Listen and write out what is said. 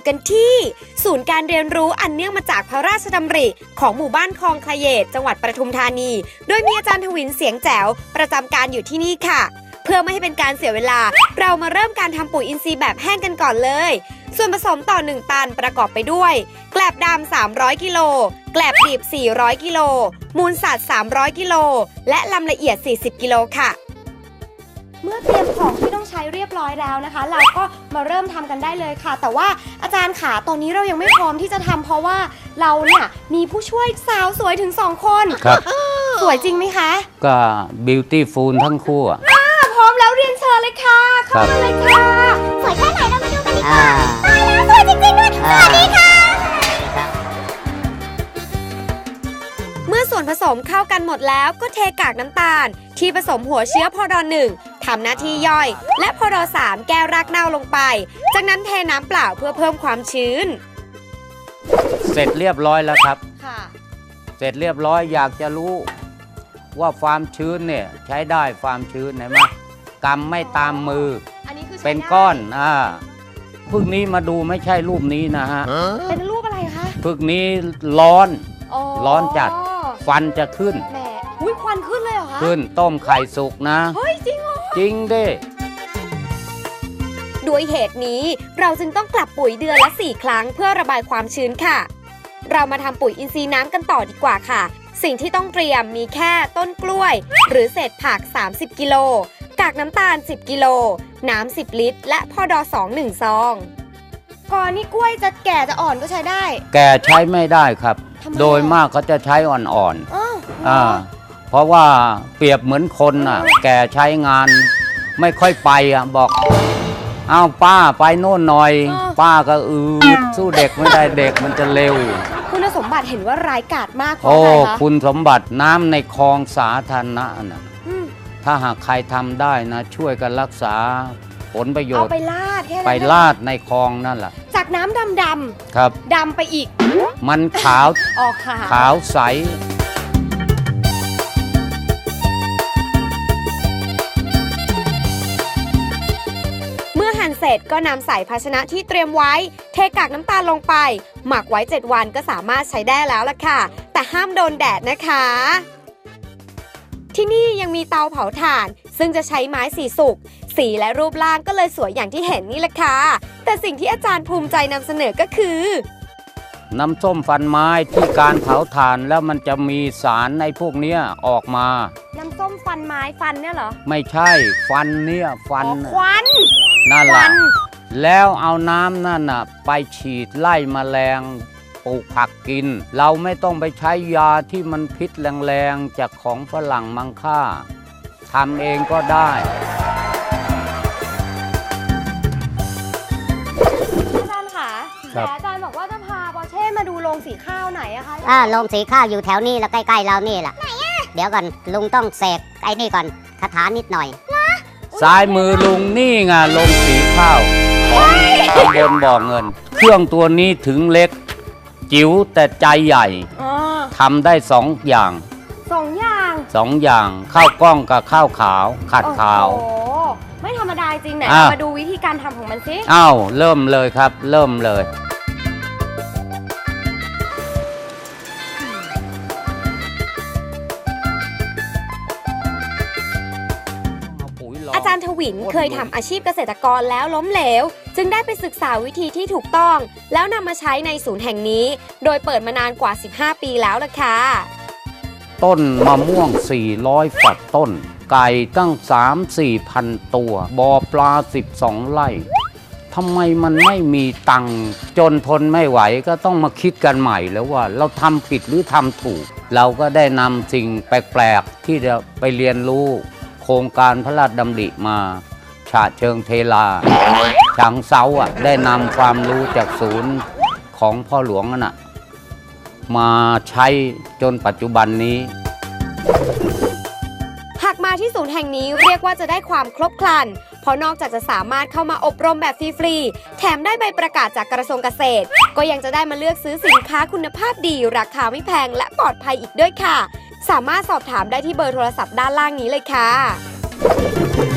กันที่ศูนย์การเรียนรู้อันเนื่องมาจากพระราชดำริของหมู่บ้านคลองคลเยตจังหวัดปทุมธานีโดยมีอาจารย์ทวินเสียงแจ๋วประจำการอยู่ที่นี่ค่ะเพื่อไม่ให้เป็นการเสียเวลาเรามาเริ่มการทำปุ๋ยอินทรีย์แบบแห้งกันก่อนเลยส่วนผสมต่อ1ตันประกอบไปด้วยแกลบดำ300กิโลแกลบดิบ400กิโลมูลสัตว์300กิโลและลำละเอียด40กิโลค่ะเมื่อเตรียมของที่ต้องใช้เรียบร้อยแล้วนะคะเราก็มาเริ่มทำกันได้เลยค่ะแต่ว่าอาจารย์ขาตอนนี้เรายังไม่พร้อมที่จะทำเพราะว่าเราเนี่ยมีผู้ช่วยสาวสวยถึง2คนครับสวยจริงไหมคะก็บิวตี้ฟูลทั้งคู่พร้อมแล้วเรียนเชิญเลยค่ะเข้ามาเลยค่ะสวยแค่ไหนเรามาดูกันดีกว่าตายแล้วสวยจริงๆด้วยสวัสดีค่ะเมื่อส่วนผสมเข้ากันหมดแล้วก็เทกากน้ำตาลที่ผสมหัวเชื้อพอดอ1ทำหน้าที่ย่อยและพอดอ3แก้รากเน่าลงไปจากนั้นเทน้ำเปล่าเพื่อเพิ่มความชื้นเสร็จเรียบร้อยแล้วครับค่ะเสร็จเรียบร้อยอยากจะรู้ว่าความชื้นเนี่ยใช้ได้ความชื้นเห็นไหมกำไม่ตามมือเป็นก้อนพึกนี้มาดูไม่ใช่รูปนี้นะฮะเป็นรูปอะไรคะพึกนี้ร้อนจัดฟันจะขึ้นแหมอุ้ยควันขึ้นเลยเหรอคะขึ้นต้มไข่สุกนะเฮ้ยจริงเหรอจริงดิด้วยเหตุนี้เราจึงต้องกลับปุ๋ยเดือนละ4ครั้งเพื่อระบายความชื้นค่ะเรามาทำปุ๋ยอินทรีย์น้ำกันต่อดีกว่าค่ะสิ่งที่ต้องเตรียมมีแค่ต้นกล้วยหรือเศษผัก30กิโลกากน้ำตาล10กิโลน้ำ10ลิตรและพอดอ2 1ซองก่อนนี่กล้วยจะแก่จะอ่อนก็ใช้ได้แก่ใช้ไม่ได้ครับโดยมากเขาจะใช้อ่อนๆเพราะว่าเปรียบเหมือนคนแก่ใช้งานไม่ค่อยไปบอกอ้าวป้าไปโน่นหน่อยป้าก็สู้เด็กไม่ได้เด็กมันจะเร็วคุณสมบัติเห็นว่าร้ายกาจมากเพราะอะไรคะคุณสมบัติน้ำในคลองสาธารณะนะถ้าหากใครทำได้นะช่วยกันรักษาผลประโยชน์เอาไปลาดแค่นั้นไปลาดในคลองนั่นแหละจากน้ำดำครับดำไปอีกมันขาวขาวใสเสร็จก็นำใส่ภาชนะที่เตรียมไว้เทกากน้ำตาลลงไปหมักไว้7วันก็สามารถใช้ได้แล้วล่ะค่ะแต่ห้ามโดนแดดนะคะที่นี่ยังมีเตาเผาถ่านซึ่งจะใช้ไม้สีสุกสีและรูปร่างก็เลยสวยอย่างที่เห็นนี่แหละค่ะแต่สิ่งที่อาจารย์ภูมิใจนำเสนอก็คือน้ำส้มฟันไม้ที่การเผาถ่านแล้วมันจะมีสารในพวกนี้ออกมาน้ำส้มฟันไม้ฟันเนี่ยเหรอไม่ใช่ฟันเนี่ยฟันควันนั่นแหละแล้วเอาน้ำนั่นไปฉีดไล่แมลงปลูกผักกินเราไม่ต้องไปใช้ยาที่มันพิษแรงๆจากของฝรั่งมังค่าทำเองก็ได้อาจารย์ค่ะแต่อาจารย์บอกว่าจะพาปอเช่มาดูโรงสีข้าวไหนอะคะโรงสีข้าวอยู่แถวนี้แล้วใกล้ๆเรานี่แหละไหนอะเดี๋ยวก่อนลุงต้องเสกไอ้นี่ก่อนคาถานิดหน่อยซ้ายมือลุงนี่ไงลงสีข้าวของตำบลบ่อเงินเครื่องตัวนี้ถึงเล็กจิ๋วแต่ใจใหญ่ทำได้2 อย่างข้าวกล้องกับข้าวขาวขัดขาวโอ้ไม่ธรรมดาจริงไหนเรามาดูวิธีการทำของมันสิเริ่มเลยครับเริ่มเลยอาจารย์ทวินเคยทำอาชีพเกษตรกรแล้วล้มเหลวจึงได้ไปศึกษาวิธีที่ถูกต้องแล้วนำมาใช้ในศูนย์แห่งนี้โดยเปิดมานานกว่า15ปีแล้วล่ะค่ะต้นมะม่วง400ฝักต้นไก่ตั้ง 3-4 พันตัวบ่อปลา12ไร่ทำไมมันไม่มีตังค์จนทนไม่ไหวก็ต้องมาคิดกันใหม่แล้วว่าเราทำผิดหรือทำถูกเราก็ได้นำสิ่งแปลกๆที่จะไปเรียนรู้โครงการพระราชดำริมาฉะเชิงเทลาฉางเซาได้นำความรู้จากศูนย์ของพ่อหลวงมาใช้จนปัจจุบันนี้หากมาที่ศูนย์แห่งนี้เรียกว่าจะได้ความครบครันเพราะนอกจากจะสามารถเข้ามาอบรมแบบฟรีๆแถมได้ใบประกาศจากกระทรวงเกษตรก็ยังจะได้มาเลือกซื้อสินค้าคุณภาพดีราคาไม่แพงและปลอดภัยอีกด้วยค่ะสามารถสอบถามได้ที่เบอร์โทรศัพท์ด้านล่างนี้เลยค่ะ